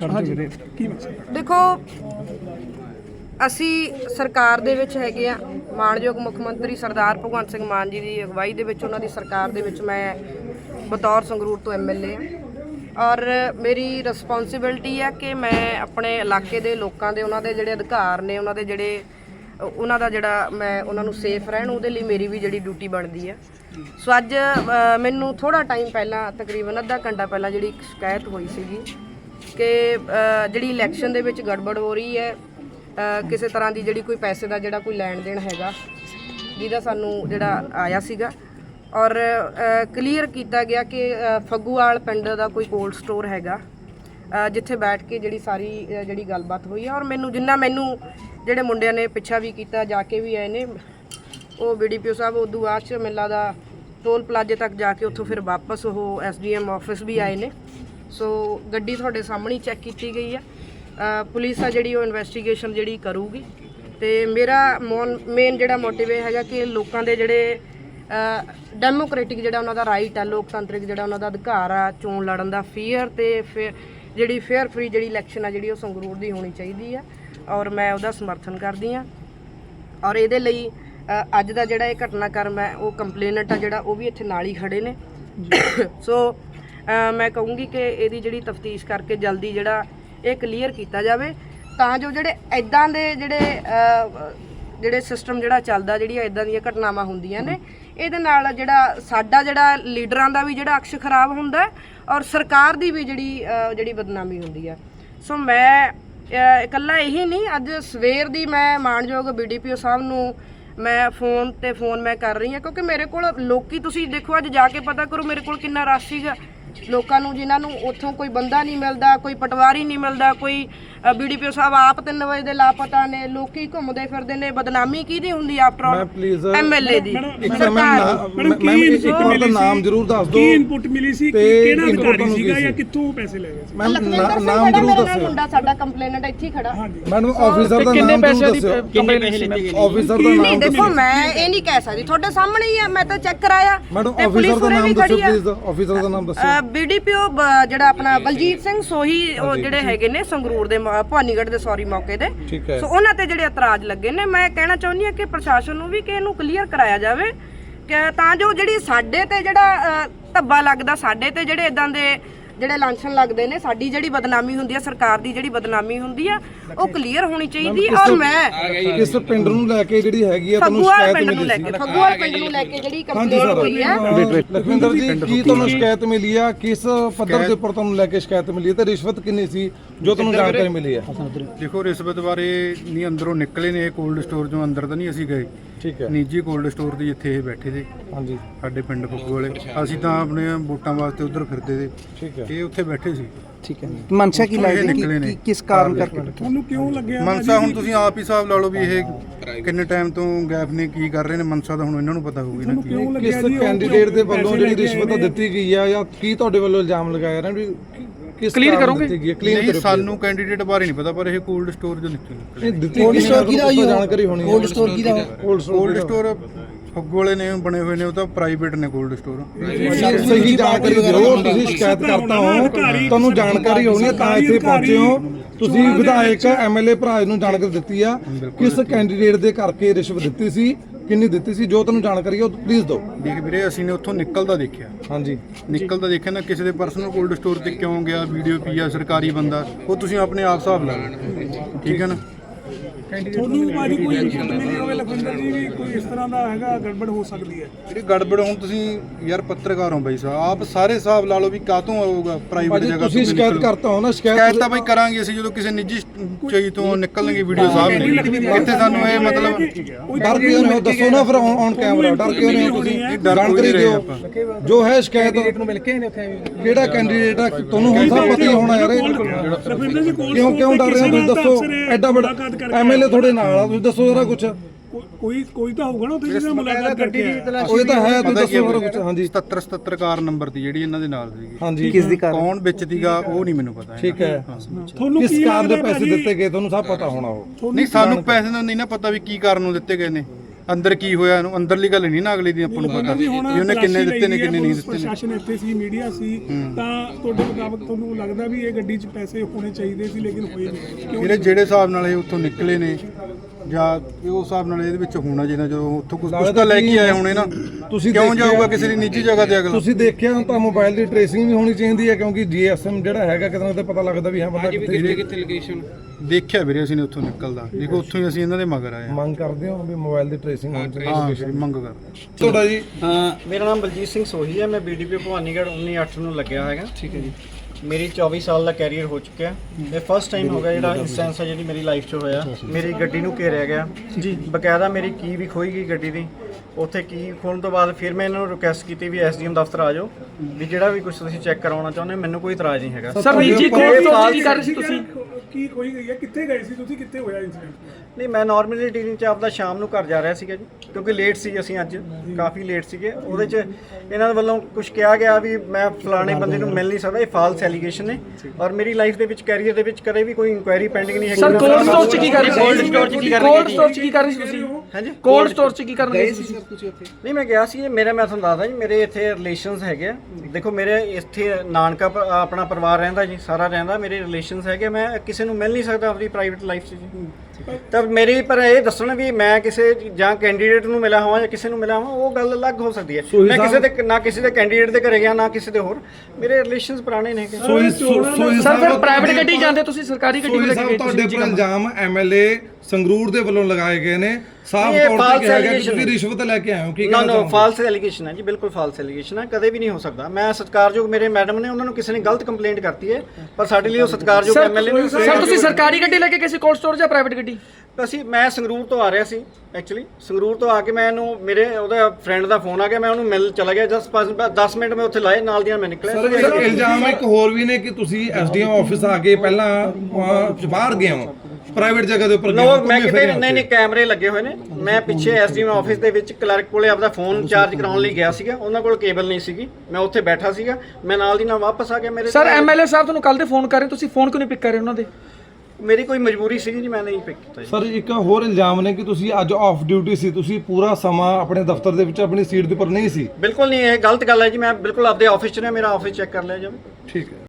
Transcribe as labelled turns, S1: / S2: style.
S1: देखो ਅਸੀਂ ਸਰਕਾਰ ਦੇ ਵਿੱਚ ਹੈਗੇ ਆ। ਮਾਣਯੋਗ ਮੁੱਖ ਮੰਤਰੀ ਸਰਦਾਰ ਭਗਵੰਤ ਸਿੰਘ ਮਾਨ ਜੀ ਦੀ ਅਗਵਾਈ ਦੇ ਵਿੱਚ ਉਹਨਾਂ ਦੀ ਸਰਕਾਰ ਦੇ ਵਿੱਚ ਮੈਂ ਬਤੌਰ ਸੰਗਰੂਰ ਤੋਂ ਐਮਐਲਏ ਆ ਔਰ ਮੇਰੀ ਰਿਸਪੌਂਸਿਬਿਲਟੀ ਹੈ ਕਿ ਮੈਂ ਆਪਣੇ ਇਲਾਕੇ ਦੇ ਲੋਕਾਂ ਦੇ ਉਹਨਾਂ ਦੇ ਜਿਹੜੇ ਅਧਿਕਾਰ ਨੇ ਉਹਨਾਂ ਦਾ ਜਿਹੜਾ ਮੈਂ ਉਹਨਾਂ ਨੂੰ ਸੇਫ ਰਹਿਣ ਉਹਦੇ ਲਈ ਮੇਰੀ ਵੀ ਜਿਹੜੀ ਡਿਊਟੀ ਬਣਦੀ ਹੈ। ਸੋ ਅੱਜ ਮੈਨੂੰ ਥੋੜਾ ਟਾਈਮ ਪਹਿਲਾਂ ਤਕਰੀਬਨ ਅੱਧਾ ਘੰਟਾ ਪਹਿਲਾਂ ਜਿਹੜੀ ਇੱਕ ਸ਼ਿਕਾਇਤ ਹੋਈ ਸੀਗੀ ਕਿ ਜਿਹੜੀ ਇਲੈਕਸ਼ਨ ਦੇ ਵਿੱਚ ਗੜਬੜ ਹੋ ਰਹੀ ਹੈ, ਕਿਸੇ ਤਰ੍ਹਾਂ ਦੀ ਜਿਹੜੀ ਕੋਈ ਪੈਸੇ ਦਾ ਜਿਹੜਾ ਕੋਈ ਲੈਣ ਦੇਣ ਹੈਗਾ ਜਿਹਦਾ ਸਾਨੂੰ ਜਿਹੜਾ ਆਇਆ ਸੀਗਾ ਔਰ ਕਲੀਅਰ ਕੀਤਾ ਗਿਆ ਕਿ ਫੱਗੂਵਾਲ ਪਿੰਡ ਦਾ ਕੋਈ ਕੋਲਡ ਸਟੋਰ ਹੈਗਾ ਜਿੱਥੇ ਬੈਠ ਕੇ ਜਿਹੜੀ ਸਾਰੀ ਜਿਹੜੀ ਗੱਲਬਾਤ ਹੋਈ ਹੈ। ਔਰ ਮੈਨੂੰ ਜਿਹੜੇ ਮੁੰਡਿਆਂ ਨੇ ਪਿੱਛਾ ਵੀ ਕੀਤਾ ਜਾ ਕੇ ਵੀ ਆਏ ਨੇ ਉਹ BDPO ਸਾਹਿਬ ਉਦੋਂ ਬਾਅਦ 'ਚ ਮੇਲਾ ਦਾ ਟੋਲ ਪਲਾਜ਼ੇ ਤੱਕ ਜਾ ਕੇ ਉੱਥੋਂ ਫਿਰ ਵਾਪਸ ਉਹ SDM ਆਫਿਸ ਵੀ ਆਏ ਨੇ। ਸੋ ਗੱਡੀ ਤੁਹਾਡੇ ਸਾਹਮਣੇ ਚੈੱਕ ਕੀਤੀ ਗਈ ਹੈ। ਪੁਲਿਸ ਆ ਜਿਹੜੀ ਉਹ ਇਨਵੈਸਟੀਗੇਸ਼ਨ ਜਿਹੜੀ ਕਰੂਗੀ ਤੇ ਮੇਰਾ ਮੇਨ ਜਿਹੜਾ ਮੋਟਿਵ ਇਹ ਹੈਗਾ ਕਿ ਲੋਕਾਂ ਦੇ ਜਿਹੜੇ ਡੈਮੋਕ੍ਰੈਟਿਕ ਜਿਹੜਾ ਉਹਨਾਂ ਦਾ ਰਾਈਟ ਆ, ਲੋਕਤੰਤਰਿਕ ਜਿਹੜਾ ਉਹਨਾਂ ਦਾ ਅਧਿਕਾਰ ਆ ਚੋਣ ਲੜਨ ਦਾ, ਫੇਅਰ ਤੇ ਜਿਹੜੀ ਫੇਅਰ ਫਰੀ ਜਿਹੜੀ ਇਲੈਕਸ਼ਨ ਆ ਜਿਹੜੀ ਉਹ ਸੰਗਰੂਰ ਦੀ ਹੋਣੀ ਚਾਹੀਦੀ ਆ ਔਰ ਮੈਂ ਉਹਦਾ ਸਮਰਥਨ ਕਰਦੀ ਆ। ਔਰ ਇਹਦੇ ਲਈ ਅੱਜ ਦਾ ਜਿਹੜਾ ਇਹ ਘਟਨਾਕ੍ਰਮ ਹੈ ਉਹ ਕੰਪਲੇਨੈਂਟ ਆ ਜਿਹੜਾ ਉਹ ਵੀ ਇੱਥੇ ਨਾਲ ਹੀ ਖੜੇ ਨੇ। ਸੋ ਮੈਂ ਕਹੂੰਗੀ ਕਿ ਇਹਦੀ ਜਿਹੜੀ ਤਫਤੀਸ਼ ਕਰਕੇ ਜਲਦੀ ਜਿਹੜਾ ਇਹ ਕਲੀਅਰ ਕੀਤਾ ਜਾਵੇ ਤਾਂ ਜੋ ਜਿਹੜੇ ਇੱਦਾਂ ਦੇ ਜਿਹੜੇ ਸਿਸਟਮ ਜਿਹੜਾ ਚੱਲਦਾ, ਜਿਹੜੀਆਂ ਇੱਦਾਂ ਦੀਆਂ ਘਟਨਾਵਾਂ ਹੁੰਦੀਆਂ ਨੇ ਇਹਦੇ ਨਾਲ ਜਿਹੜਾ ਸਾਡਾ ਜਿਹੜਾ ਲੀਡਰਾਂ ਦਾ ਵੀ ਜਿਹੜਾ ਅਕਸ਼ ਖਰਾਬ ਹੁੰਦਾ ਔਰ ਸਰਕਾਰ ਦੀ ਵੀ ਜਿਹੜੀ ਬਦਨਾਮੀ ਹੁੰਦੀ ਹੈ। ਸੋ ਮੈਂ ਇਕੱਲਾ ਇਹੀ ਨਹੀਂ, ਅੱਜ ਸਵੇਰ ਦੀ ਮੈਂ ਮਾਣਯੋਗ BDPO ਸਾਹਿਬ ਨੂੰ ਮੈਂ ਫੋਨ ਮੈਂ ਕਰ ਰਹੀ ਹਾਂ ਕਿਉਂਕਿ ਮੇਰੇ ਕੋਲ ਲੋਕੀ ਤੁਸੀਂ ਦੇਖੋ ਅੱਜ ਜਾ ਕੇ ਪਤਾ ਕਰੋ ਮੇਰੇ ਕੋਲ ਕਿੰਨਾ ਰਸ਼ ਸੀਗਾ ਲੋਕਾਂ ਨੂੰ ਜਿਨ੍ਹਾਂ ਨੂੰ ਉੱਥੋਂ ਕੋਈ ਬੰਦਾ ਨਹੀਂ ਮਿਲਦਾ, ਕੋਈ ਪਟਵਾਰੀ ਨਹੀਂ ਮਿਲਦਾ, ਕੋਈ BDPO ਸਾਹਿਬ ਆਪ 3 ਵਜੇ ਦੇ ਲਾਪਤਾ ਨੇ, ਲੋਕੀ ਘੁੰਮਦੇ ਫਿਰਦੇ ਨੇ। ਬਦਨਾਮੀ ਕਿਹਦੀ ਹੁੰਦੀ ਆਫਟਰ ਆਲ MLA ਦੀ।
S2: ਨਾਮ ਜ਼ਰੂਰ ਦੱਸ ਦਿਓ, ਕੀ ਇਨਪੁਟ ਮਿਲੀ ਸੀ, ਕਿਹੜਾ ਅਧਿਕਾਰੀ ਸੀਗਾ ਜਾਂ ਕਿੱਥੋਂ ਪੈਸੇ ਲੈ ਗਏ ਸੀ?
S1: ਨਾਮ ਜ਼ਰੂਰ ਦੱਸੋ। ਮੁੰਡਾ ਸਾਡਾ ਕੰਪਲੇਨੈਂਟ ਇੱਥੇ ਹੀ ਖੜਾ।
S2: ਮੈਡਮ ਆਫੀਸਰ ਦਾ ਨਾਮ ਜ਼ਰੂਰ ਦੱਸਿਓ, ਕਿੰਨੇ ਪੈਸੇ ਲੱਗੇ? ਆਫੀਸਰ ਦਾ ਨਾਮ
S1: ਦੇਖੋ ਮੈਂ ਇਹ ਨਹੀਂ ਕਹਿ ਸਕਦੀ, ਤੁਹਾਡੇ ਸਾਹਮਣੇ ਹੀ ਹੈ, ਮੈਂ ਤਾਂ ਚੈੱਕ ਕਰਾਇਆ।
S2: ਮੈਡਮ ਆਫੀਸਰ ਦਾ ਨਾਮ ਦੱਸੋ ਪਲੀਜ਼, ਆਫੀਸਰ ਦਾ ਨਾਮ ਦੱਸੋ।
S1: BDPO ਜਿਹੜਾ ਆਪਣਾ ਬਲਜੀਤ ਸਿੰਘ ਸੋਹੀ ਉਹ ਜਿਹੜੇ ਹੈਗੇ ਨੇ ਸੰਗਰੂਰ ਦੇ ਭਵਾਨੀਗੜ੍ਹ ਦੇ ਸੌਰੀ ਮੌਕੇ ਦੇ। ਸੋ ਉਹਨਾਂ ਤੇ ਜਿਹੜੇ ਇਤਰਾਜ਼ ਲੱਗੇ ਨੇ ਮੈਂ ਕਹਿਣਾ ਚਾਹੁੰਦੀ ਹਾਂ ਕਿ ਪ੍ਰਸ਼ਾਸਨ ਨੂੰ ਵੀ ਕਿ ਇਹਨੂੰ ਕਲੀਅਰ ਕਰਾਇਆ ਜਾਵੇ ਕਿ ਤਾਂ ਜੋ ਜਿਹੜੀ ਸਾਡੇ ਤੇ ਜਿਹੜਾ ਧੱਬਾ ਲੱਗਦਾ, ਸਾਡੇ ਤੇ ਜਿਹੜੇ ਇਦਾਂ ਦੇ ਜਿਹੜੇ ਲਾਂਛਨ ਲੱਗਦੇ ਨੇ, ਸਾਡੀ ਜਿਹੜੀ ਬਦਨਾਮੀ ਹੁੰਦੀ ਹੈ, ਸਰਕਾਰ ਦੀ ਜਿਹੜੀ ਬਦਨਾਮੀ ਹੁੰਦੀ ਆ ਉਹ ਕਲੀਅਰ ਹੋਣੀ ਚਾਹੀਦੀ। ਔਰ ਮੈਂ
S2: ਕਿਸ ਪਿੰਡ ਨੂੰ ਲੈ ਕੇ ਜਿਹੜੀ ਹੈਗੀ ਆ
S1: ਤੁਹਾਨੂੰ ਸ਼ਿਕਾਇਤ ਮਿਲੀ ਸੀ? ਫੱਗੂਵਾਲ ਪਿੰਡ ਨੂੰ ਲੈ ਕੇ ਜਿਹੜੀ ਕੰਪਲੇਂਟ ਹੋਈ ਹੈ।
S2: ਲਖਵਿੰਦਰ ਜੀ ਕੀ ਤੁਹਾਨੂੰ ਸ਼ਿਕਾਇਤ ਮਿਲੀ ਆ, ਕਿਸ ਪੱਧਰ ਦੇ ਉੱਪਰ ਤੁਹਾਨੂੰ ਲੈ ਕੇ ਸ਼ਿਕਾਇਤ ਮਿਲੀ ਹੈ ਤੇ ਰਿਸ਼ਵਤ ਕਿੰਨੀ ਸੀ ਜੋ ਤੁਹਾਨੂੰ ਜਾਣਕਾਰੀ ਮਿਲੀ ਹੈ?
S3: ਦੇਖੋ ਰਿਸ਼ਵਤ ਬਾਰੇ ਨਹੀਂ ਅੰਦਰੋਂ ਨਿਕਲੇ ਨੇ, ਇਹ ਕੋਲਡ ਸਟੋਰ ਚੋਂ ਅੰਦਰ ਤਾਂ ਨਹੀਂ ਅਸੀਂ ਗਏ।
S2: ਠੀਕ ਹੈ,
S3: ਨਿੱਜੀ ਕੋਲਡ ਸਟੋਰ ਦੀ ਇੱਥੇ ਇਹ ਬੈਠੇ ਸੀ।
S2: ਹਾਂਜੀ,
S3: ਸਾਡੇ ਪਿੰਡ ਫੱਗੂ ਵਾਲੇ, ਅਸੀਂ ਤਾਂ ਆਪਣੇ ਵੋਟਾਂ ਵਾਸਤੇ ਉਧਰ ਫਿਰਦੇ ਸੀ।
S2: ਠੀਕ ਹੈ,
S3: ਇਹ ਉੱਥੇ ਬੈਠੇ ਸੀ।
S4: ਠੀਕ ਹੈ, ਮਨਸ਼ਾ ਕੀ ਲੱਗਦੀ ਕਿ ਕਿਸ ਕਾਰਨ ਕਰਕੇ
S2: ਤੁਹਾਨੂੰ ਕਿਉਂ ਲੱਗਿਆ?
S3: ਮਨਸਾ ਹੁਣ ਤੁਸੀਂ ਆਪ ਹੀ ਹਿਸਾਬ ਲਾ ਲਓ ਵੀ ਇਹ ਕਿੰਨੇ ਟਾਈਮ ਤੋਂ ਗੈਪ ਨੇ, ਕੀ ਕਰ ਰਹੇ ਨੇ। ਮਨਸਾ ਤਾਂ ਹੁਣ ਇਹਨਾਂ ਨੂੰ ਪਤਾ ਹੋਊਗੀ ਨਾ
S2: ਕਿਸ ਕੈਂਡੀਡੇਟ ਦੇ ਵੱਲੋਂ ਜਿਹੜੀ ਰਿਸ਼ਵਤ ਦਿੱਤੀ ਗਈ ਆ ਜਾਂ ਕੀ ਤੁਹਾਡੇ ਵੱਲੋਂ ਇਲਜ਼ਾਮ ਲਗਾਇਆ ਰਹੇ ਵੀ ਕਿਸ
S4: ਕਲੀਅਰ ਕਰੋਗੇ?
S3: ਨਹੀਂ, ਸਾਨੂੰ ਕੈਂਡੀਡੇਟ ਬਾਰੇ ਨਹੀਂ ਪਤਾ, ਪਰ ਇਹ ਕੋਲਡ ਸਟੋਰ ਜੋ ਨਿਕਲੇ
S2: ਕੋਲਡ ਸਟੋਰ ਕੀ ਦਾ ਜਾਣਕਾਰੀ ਹੋਣੀ ਹੈ।
S4: ਕੋਲਡ ਸਟੋਰ ਕੀ ਦਾ?
S3: ਕੋਲਡ ਸਟੋਰ ਫੱਗੂ ਵਾਲੇ ਨੇ ਬਣੇ ਹੋਏ ਨੇ, ਉਹ ਤਾਂ ਪ੍ਰਾਈਵੇਟ ਨੇ ਕੋਲਡ ਸਟੋਰ।
S2: ਸਹੀ ਜਾਣਕਾਰੀ ਦਿਓ, ਤੁਸੀਂ ਸ਼ਿਕਾਇਤ ਕਰਤਾ ਹੋ, ਤੁਹਾਨੂੰ ਜਾਣਕਾਰੀ ਹੋਣੀ ਹੈ ਤਾਂ ਇੱਥੇ ਪਹੁੰਚੇ ਹੋ। ਤੁਸੀਂ ਵਿਧਾਇਕ MLA ਭਰਾ ਨੂੰ ਜਾਣਕਾਰੀ ਦਿੱਤੀ ਆ, ਕਿਸ ਕੈਂਡੀਡੇਟ ਦੇ ਕਰਕੇ ਰਿਸ਼ਵਤ ਦਿੱਤੀ ਸੀ, ਕਿੰਨੀ ਦਿੱਤੀ ਸੀ, ਜੋ ਤੁਹਾਨੂੰ ਜਾਣਕਾਰੀ ਹੈ ਉਹ ਪਲੀਜ਼ ਦਿਓ।
S3: ਦੇਖ ਵੀਰੇ, ਅਸੀਂ ਨੇ ਉੱਥੋਂ ਨਿਕਲਦਾ ਦੇਖਿਆ।
S2: ਹਾਂਜੀ,
S3: ਨਿਕਲਦਾ ਦੇਖਿਆ ਨਾ, ਕਿਸੇ ਦੇ ਪਰਸਨਲ ਕੋਲਡ ਸਟੋਰ ਤੇ ਕਿਉਂ ਗਿਆ, ਵੀਡੀਓ ਪੀ ਆ, ਸਰਕਾਰੀ ਬੰਦਾ, ਉਹ ਤੁਸੀਂ ਆਪਣੇ ਆਪ ਹਿਸਾਬ ਲਾ ਲਓ। ਠੀਕ ਹੈ ਨਾ?
S2: ਤੁਹਾਨੂੰ ਬਾਜੀ ਕੋਈ ਇਨਪੁਟ ਮਿਲੀ ਹੋਵੇ ਲਖਵਿੰਦਰ ਜੀ ਵੀ ਕੋਈ ਇਸ ਤਰ੍ਹਾਂ ਦਾ ਹੈਗਾ ਗੜਬੜ ਹੋ ਸਕਦੀ ਹੈ?
S3: ਜਿਹੜੀ ਗੜਬੜ, ਹੁਣ ਤੁਸੀਂ ਯਾਰ ਪੱਤਰਕਾਰ ਹੋ ਬਾਈ ਸਾਹਿਬ, ਆਪ ਸਾਰੇ ਹਿਸਾਬ ਲਾ ਲਓ ਵੀ ਕਾਹਤੋਂ ਆਊਗਾ ਪ੍ਰਾਈਵੇਟ ਜਗ੍ਹਾ ਤੋਂ।
S2: ਤੁਸੀਂ ਸ਼ਿਕਾਇਤ ਕਰਤਾ ਹੋ ਨਾ?
S3: ਸ਼ਿਕਾਇਤ ਤਾਂ ਬਾਈ ਕਰਾਂਗੇ ਅਸੀਂ ਜਦੋਂ ਕਿਸੇ ਨਿੱਜੀ ਚੀਜ਼ ਤੋਂ ਨਿਕਲਣਗੇ ਵੀਡੀਓ ਸਾਹਿਬ ਨੇ। ਇੱਥੇ ਸਾਨੂੰ ਇਹ ਮਤਲਬ
S2: ਡਰ ਕਿਉਂ ਨਹੀਂ ਹੋ ਦੱਸੋ ਨਾ ਫਿਰ ਔਨ ਕੈਮਰਾ, ਡਰ ਕਿਉਂ ਨਹੀਂ ਹੋ ਤੁਸੀਂ? ਜਾਣਕਾਰੀ ਦਿਓ ਜੋ ਹੈ ਸ਼ਿਕਾਇਤ ਨੂੰ ਮਿਲ ਕੇ ਕਿਹੜਾ ਕੈਂਡੀਡੇਟ ਆ ਤੁਹਾਨੂੰ ਹੁਣ ਸਭ ਪਤਾ ਹੀ ਹੋਣਾ ਯਾਰ। ਕਿਉਂ ਡਰ ਰਹੇ ਹੋ ਤੁਸੀਂ ਦੱਸੋ? ਐਡਾ ਵੱਡਾ MLA ਤੁਹਾਡੇ ਨਾਲ ਆ, ਤੁਸੀਂ ਦੱਸੋ ਜਰਾ ਕੁਝ। ਕੋਈ ਤਾਂ ਹੋਊਗਾ ਨਾ ਉੱਥੇ ਜਿਹਨਾਂ ਮੁਲਾਕਾਤ ਕਰਕੇ ਉਹ ਤਾਂ ਹੈ, ਤੁਸੀਂ ਦੱਸੋ ਜਰਾ ਕੁਝ। ਹਾਂਜੀ,
S3: 77 ਕਾਰ ਨੰਬਰ ਦੀ ਜਿਹੜੀ ਇਹਨਾਂ ਦੇ ਨਾਲ ਸੀਗੀ।
S2: ਹਾਂਜੀ,
S4: ਕਿਸ ਦੀ ਕਾਰ?
S3: ਕੌਣ ਵਿੱਚ ਦੀਗਾ ਉਹ ਨਹੀਂ ਮੈਨੂੰ ਪਤਾ।
S2: ਠੀਕ ਹੈ, ਤੁਹਾਨੂੰ ਕਿਸ ਕਾਰਨ ਦੇ ਪੈਸੇ ਦਿੱਤੇ ਗਏ ਤੁਹਾਨੂੰ ਸਭ ਪਤਾ ਹੋਣਾ ਉਹ?
S3: ਨਹੀਂ, ਸਾਨੂੰ ਪੈਸੇ ਦਾ ਨਹੀਂ ਨਾ ਪਤਾ ਵੀ ਕੀ ਕਾਰਨ ਨੂੰ ਦਿੱਤੇ ਗਏ ਨੇ। ਅੰਦਰ ਕੀ ਹੋਇਆ ਇਹਨੂੰ ਅੰਦਰਲੀ ਗੱਲ ਨਹੀਂ ਨਾ ਅਗਲੇ ਦੀ ਆਪਾਂ ਨੂੰ ਪਤਾ ਵੀ ਉਹਨੇ ਕਿੰਨੇ ਦਿੱਤੇ ਨੇ ਕਿੰਨੇ ਨਹੀਂ ਦਿੱਤੇ ਨੇ।
S5: ਪ੍ਰਸ਼ਾਸਨ ਇੱਥੇ ਸੀ, ਮੀਡੀਆ ਸੀ, ਤਾਂ ਤੁਹਾਡੇ ਮੁਤਾਬਕ ਤੁਹਾਨੂੰ ਲੱਗਦਾ ਵੀ ਇਹ ਗੱਡੀ 'ਚ ਪੈਸੇ ਹੋਣੇ ਚਾਹੀਦੇ ਸੀ ਲੇਕਿਨ ਹੋਏ ਨਹੀਂ ਕਿਉਂ?
S3: ਜਿਹੜੇ ਜਿਹੜੇ ਹਿਸਾਬ ਨਾਲ ਇਹ ਉੱਥੋਂ ਨਿਕਲੇ ਨੇ ਜਾਂ ਉਸ ਹਿਸਾਬ ਨਾਲ ਇਹਦੇ ਵਿੱਚ ਹੋਣਾ ਚਾਹੀਦਾ। ਜਦੋਂ ਉੱਥੋਂ ਕੁਝ ਤਾਂ ਲੈ ਕੇ ਆਏ ਹੋਣੇ ਨਾ,
S2: ਤੁਸੀਂ
S3: ਕਿਉਂ
S2: ਦੇਖਿਆ-
S3: ਜਾਊਗਾ ਕਿਸੇ ਦੀ ਨਿੱਜੀ ਜਗ੍ਹਾ ਤੇ ਅਗਲਾ?
S2: ਤੁਸੀਂ ਦੇਖਿਆ ਤਾਂ ਮੋਬਾਈਲ ਦੀ ਟ੍ਰੇਸਿੰਗ ਵੀ ਹੋਣੀ ਚਾਹੀਦੀ ਹੈ, ਕਿਉਂਕਿ ਜੀਐਸਐਮ ਜਿਹੜਾ ਹੈਗਾ ਕਿਤੇ ਨਾ ਕਿਤੇ ਪਤਾ ਲੱਗਦਾ ਵੀ ਹਾਂ ਬੰਦਾ ਕਿੱਥੇ
S6: ਲੋਕੇਸ਼ਨ
S3: ਦੇਖਿਆ ਵੀਰੇ ਅਸੀਂ ਨੇ ਉੱਥੋਂ ਨਿਕਲਦਾ। ਦੇਖੋ ਉੱਥੋਂ ਹੀ ਅਸੀਂ ਇਹਨਾਂ ਦੇ ਮਗਰ ਆਏ
S2: ਮੰਗ ਕਰਦੇ ਹੋ ਵੀ ਮੋਬਾਈਲ ਦੀ ਟ੍ਰੇਸਿੰਗ ਹੋਣੀ ਚਾਹੀਦੀ
S3: ਹਾਂ ਵੀਰੇ, ਮੰਗ ਕਰ
S2: ਤੁਹਾਡਾ ਜੀ?
S7: ਮੇਰਾ ਨਾਮ ਬਲਜੀਤ ਸਿੰਘ ਸੋਹੀ ਹੈ। ਮੈਂ ਬੀਡੀਪੀ ਭਵਾਨੀਗੜ੍ਹ 19/8 ਨੂੰ ਲੱਗਿਆ ਹੈਗਾ। ਠੀਕ ਹੈ ਜੀ। ਮੇਰੀ 24 ਸਾਲ ਦਾ ਕੈਰੀਅਰ ਹੋ ਚੁੱਕਿਆ। ਇਹ ਫਸਟ ਟਾਈਮ ਹੋ ਗਿਆ ਜਿਹੜਾ ਇੰਸਟੈਂਸ ਹੈ ਜਿਹੜੀ ਮੇਰੀ ਲਾਈਫ 'ਚ ਹੋਇਆ। ਮੇਰੀ ਗੱਡੀ ਨੂੰ ਘੇਰਿਆ ਗਿਆ ਜੀ, ਬਕਾਇਦਾ ਮੇਰੀ ਕੀ ਵੀ ਖੋਈ ਗਈ ਗੱਡੀ ਦੀ। ਉੱਥੇ ਕੀ ਖੋਣ ਤੋਂ ਬਾਅਦ ਫਿਰ ਮੈਂ ਇਹਨਾਂ ਨੂੰ ਰਿਕੁਐਸਟ ਕੀਤੀ ਵੀ ਐਸਡੀਐਮ ਦਫ਼ਤਰ ਆ ਜਾਓ, ਵੀ ਜਿਹੜਾ ਵੀ ਕੁਝ ਤੁਸੀਂ ਚੈੱਕ ਕਰਾਉਣਾ ਚਾਹੁੰਦੇ ਮੈਨੂੰ ਕੋਈ ਇਤਰਾਜ਼ ਨਹੀਂ ਹੈਗਾ।
S6: ਸਰ ਵੀਰ ਜੀ ਕੋਲ ਤੋਂ ਕੀ ਕਰ ਰਹੇ ਸੀ ਤੁਸੀਂ?
S5: ਕੀ ਖੋਈ ਗਈ ਹੈ, ਕਿੱਥੇ ਗਏ ਸੀ ਤੁਸੀਂ, ਕਿੱਥੇ ਹੋਇਆ ਇੰਸੀਡੈਂਟ?
S7: ਨਹੀਂ, ਮੈਂ ਨਾਰਮਲੀ ਡਿਨਿੰਗ 'ਚ ਆਪਦਾ ਸ਼ਾਮ ਨੂੰ ਘਰ ਜਾ ਰਿਹਾ ਸੀਗਾ ਜੀ, ਕਿਉਂਕਿ ਲੇਟ ਸੀ ਅਸੀਂ ਅੱਜ, ਕਾਫੀ ਲੇਟ ਸੀਗੇ। ਉਹਦੇ 'ਚ ਇਹਨਾਂ ਵੱਲੋਂ ਕੁਝ ਕਿਹਾ ਗਿਆ ਵੀ ਮੈਂ ਫਲਾਣੇ ਬੰਦੇ ਨੂੰ ਮਿਲ ਨਹੀਂ ਸਕਦਾ। ਇਹ ਫਾਲਸ ਐਲੀਗੇਸ਼ਨ ਨੇ ਔਰ ਮੇਰੀ ਲਾਈਫ ਦੇ ਵਿੱਚ ਕੈਰੀਅਰ ਦੇ ਵਿੱਚ ਕਦੇ ਵੀ ਕੋਈ ਇਨਕੁਆਇਰੀ ਪੈਂਡਿੰਗ ਨਹੀਂ ਹੈਗੀ।
S6: ਸਰ ਕੋਲਡ ਸਟੋਰ 'ਚ ਕੀ ਕਰ ਰਹੇ ਸੀ? ਕੋਲਡ ਸਟੋਰ 'ਚ ਕੀ ਕਰ ਰਹੇ ਸੀ? ਕੋਲਡ ਸਟੋਰ 'ਚ ਕੀ ਕਰ ਰਹੇ ਸੀ ਤੁਸੀਂ?
S7: ਹਾਂਜੀ,
S6: ਕੋਲਡ ਸਟੋਰ 'ਚ ਕੀ ਕਰਨ ਗਏ ਸੀ?
S7: ਨਹੀਂ ਮੈਂ ਗਿਆ ਸੀ। ਮੈਂ ਤੁਹਾਨੂੰ ਦੱਸਦਾ ਜੀ, ਮੇਰੇ ਇੱਥੇ ਰਿਲੇਸ਼ਨਸ ਹੈਗੇ ਆ। ਦੇਖੋ ਮੇਰੇ ਇੱਥੇ ਨਾਨਕਾ ਆਪਣਾ ਪਰਿਵਾਰ ਰਹਿੰਦਾ ਜੀ, ਸਾਰਾ ਰਹਿੰਦਾ। ਮੇਰੇ ਰਿਲੇਸ਼ਨਸ ਹੈਗੇ, ਮੈਂ ਕਿਸੇ ਨੂੰ ਮਿਲ ਨਹੀਂ ਸਕਦਾ ਆਪਣੀ ਪ੍ਰਾਈਵੇਟ ਲਾਈਫ 'ਚ ਜੀ। ਤਾਂ ਮੇਰੀ ਪਰ ਇਹ ਦੱਸਣਾ ਵੀ ਮੈਂ ਕਿਸੇ ਜਾਂ ਕੈਂਡੀਡੇਟ ਨੂੰ ਮਿਲਿਆ ਹੋਵਾਂ ਜਾਂ ਕਿਸੇ ਨੂੰ ਮਿਲਿਆ ਹੋਵਾਂ, ਉਹ ਗੱਲ ਅਲੱਗ ਹੋ ਸਕਦੀ ਹੈ। ਮੈਂ ਕਿਸੇ ਦੇ ਨਾ ਕਿਸੇ ਦੇ ਕੈਂਡੀਡੇਟ ਦੇ ਘਰੇ ਗਿਆ, ਨਾ ਕਿਸੇ ਦੇ ਹੋਰ। ਮੇਰੇ ਰਿਲੇਸ਼ਨਸ ਪੁਰਾਣੇ ਨੇ।
S6: ਸਰ ਫਿਰ ਪ੍ਰਾਈਵੇਟ ਗੱਡੀ ਜਾਂਦੇ ਤੁਸੀਂ ਸਰਕਾਰੀ ਗੱਡੀ ਲੈ ਕੇ ਗਏ?
S2: ਤੁਹਾਡੇ ਉੱਪਰ ਇਲਜ਼ਾਮ ਐਮਐਲਏ ਸੰਗਰੂਰ ਦੇ ਵੱਲੋਂ ਲਗਾਏ ਗਏ ਨੇ, ਸਾਫ਼
S7: ਇਹ
S2: ਤੌਰ
S7: false
S2: ਤੇ ਕਿਹਾ ਗਿਆ ਕਿ
S7: allegation
S2: ਤੁਸੀਂ ਰਿਸ਼ਵਤ ਲੈ ਕੇ ਆਏ ਹੋ। ਕੀ
S7: ਨਾ
S2: ਕਹਿਣਾ ਚਾਹੋਗੇ?
S7: ਫਾਲਸ ਐਲੀਗੇਸ਼ਨ ਹੈ ਜੀ, ਬਿਲਕੁਲ ਫਾਲਸ ਐਲੀਗੇਸ਼ਨ ਹੈ। ਕਦੇ ਵੀ ਨਹੀਂ ਹੋ ਸਕਦਾ। ਮੈਂ ਸਤਿਕਾਰਯੋਗ ਮੇਰੇ ਮੈਡਮ ਨੇ, ਉਹਨਾਂ ਨੂੰ ਕਿਸੇ ਨੇ ਗਲਤ ਕੰਪਲੇਂਟ ਕਰਤੀ ਹੈ, ਪਰ ਸਾਡੇ ਲਈ ਉਹ ਸਤਿਕਾਰਯੋਗ ਐਮਐਲਏ ਨੇ।
S6: ਸਰ ਤੁਸੀਂ ਸਰਕਾਰੀ ਗੱਡੀ ਲੈ ਕੇ ਕਿਸੇ ਕੋਲਡ ਸਟੋਰ ਜਾਂ ਪ੍ਰਾਈਵੇਟ ਗੱਡੀ?
S7: ਮੈਂ ਸੰਗਰੂਰ ਤੋਂ ਆ ਰਿਹਾ ਸੀ ਐਕਚੁਅਲੀ। ਸੰਗਰੂਰ ਤੋਂ ਆ ਕੇ ਮੈਂ ਇਹਨੂੰ ਮੇਰੇ ਉਹਦਾ ਫਰੈਂਡ ਦਾ ਫੋਨ ਆ ਗਿਆ, ਮੈਂ ਉਹਨੂੰ ਮਿਲ ਚਲਾ ਗਿਆ। 10 ਮਿੰਟ ਮੈਂ ਉੱਥੇ ਲਾਏ, ਨਾਲ ਦੀਆਂ ਮੈਂ ਨਿਕਲਿਆ।
S2: ਸਰ ਇਲਜ਼ਾਮ ਇੱਕ ਹੋਰ ਵੀ ਨੇ ਕਿ ਤੁਸੀਂ ਐਸਡੀਐਮ ਆਫਿਸ ਆ ਕੇ ਪਹਿਲਾਂ ਬਾਹਰ ਗਏ ਹੋ, ਪ੍ਰਾਈਵੇਟ ਜਗ੍ਹਾ ਦੇ ਉੱਪਰ ਗਏ ਹੋ।
S7: ਮੈਂ ਕਿਤੇ ਨਹੀਂ, ਕੈਮਰੇ ਲੱਗੇ ਹੋਏ ਨੇ। ਮੈਂ ਪਿੱਛੇ ਐਸਡੀਐਮ ਆਫਿਸ ਦੇ ਵਿੱਚ ਕਲਰਕ ਕੋਲੇ ਆਪਦਾ ਫੋਨ ਚਾਰਜ ਕਰਾਉਣ ਲਈ ਗਿਆ ਸੀਗਾ। ਉਹਨਾਂ ਕੋਲ ਕੇਬਲ ਨਹੀਂ ਸੀਗੀ, ਮੈਂ ਉੱਥੇ ਬੈਠਾ ਸੀਗਾ। ਮੈਂ ਨਾਲ ਦੀ ਨਾਲ ਵਾਪਸ ਆ ਗਿਆ। ਮੇਰੇ
S6: ਸਰ ਐਮਐਲਏ ਸਾਹਿਬ ਤੁਹਾਨੂੰ ਕੱਲ ਦੇ ਫੋਨ ਕਰ ਰਹੇ, ਤੁਸੀਂ ਫੋਨ ਕਿਉਂ ਨਹੀਂ ਪਿਕ ਕਰ ਰਹੇ ਉਹਨਾਂ ਦੇ?
S7: ਮੇਰੀ ਕੋਈ ਮਜਬੂਰੀ ਸੀਗੀ ਜੀ, ਮੈਂ ਨਹੀਂ ਪਿਕ ਕੀਤਾ ਜੀ।
S2: ਸਰ ਇੱਕ ਹੋਰ ਇਲਜ਼ਾਮ ਨੇ ਕਿ ਤੁਸੀਂ ਅੱਜ ਆਫ ਡਿਊਟੀ ਸੀ, ਤੁਸੀਂ ਪੂਰਾ ਸਮਾਂ ਆਪਣੇ ਦਫ਼ਤਰ ਦੇ ਵਿੱਚ ਆਪਣੀ ਸੀਟ ਦੇ ਉੱਪਰ ਨਹੀਂ ਸੀ।
S7: ਬਿਲਕੁਲ ਨਹੀਂ, ਇਹ ਗਲਤ ਗੱਲ ਹੈ ਜੀ। ਮੈਂ ਬਿਲਕੁਲ ਆਪਦੇ ਆਫਿਸ 'ਚ ਨੇ, ਮੇਰਾ ਆਫਿਸ ਚੈੱਕ ਕਰ ਲਿਆ ਜਾਵੇ।
S2: ਠੀਕ ਹੈ।